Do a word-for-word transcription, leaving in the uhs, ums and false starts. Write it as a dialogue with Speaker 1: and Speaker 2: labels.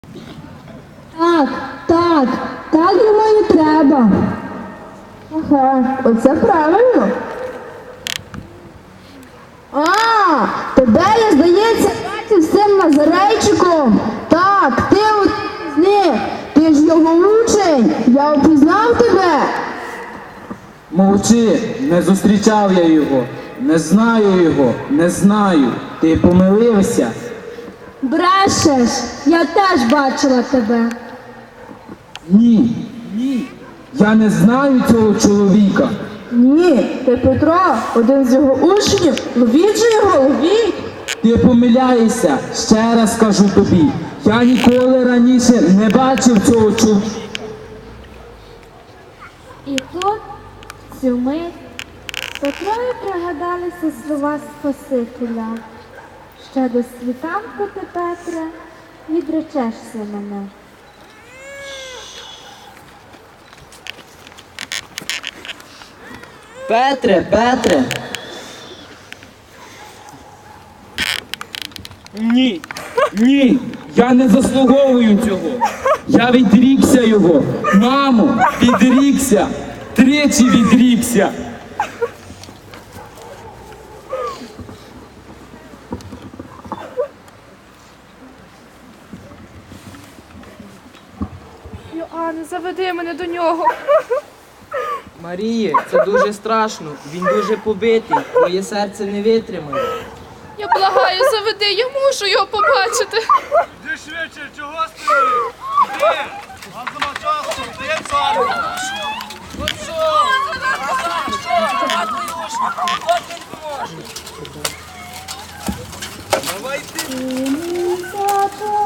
Speaker 1: Так, так, так йому і треба.
Speaker 2: Ага, оце правильно. А, тебе, я, здається, бачив з цим Назарейчиком. Так, ти от з них. Ти ж його учень. Я впізнав тебе.
Speaker 3: Мовчи, не зустрічав я його, не знаю його, не знаю. Ти помилився?
Speaker 1: Брешеш, я теж бачила тебе.
Speaker 3: Ні, ні. Я не знаю цього чоловіка.
Speaker 2: Ні, ти Петро, один з його учнів. Ловіть же його, ловіть.
Speaker 3: Ти помиляєшся, ще раз кажу тобі. Я ніколи раніше не бачив цього чоловіка.
Speaker 4: І тут, в цю мить, Петрові пригадалися слова Спасителя. Ще до світанку ти, Петре, відречешся мене.
Speaker 5: Петре, Петре.
Speaker 3: Ні, ні, я не заслуговую цього. Я відрікся його. Мамо, відрікся. Тричі відрікся.
Speaker 6: Йоанне, заведи мене до нього.
Speaker 5: Маріє, це дуже страшно. Він дуже побитий. Твоє серце не витримає.
Speaker 6: Я благаю, заведи, я мушу його побачити.
Speaker 7: Іди швидше, чого стоїш? Іди! Нам нема часу, ти царю! Ну що? Що? От він поможе! Давай ти!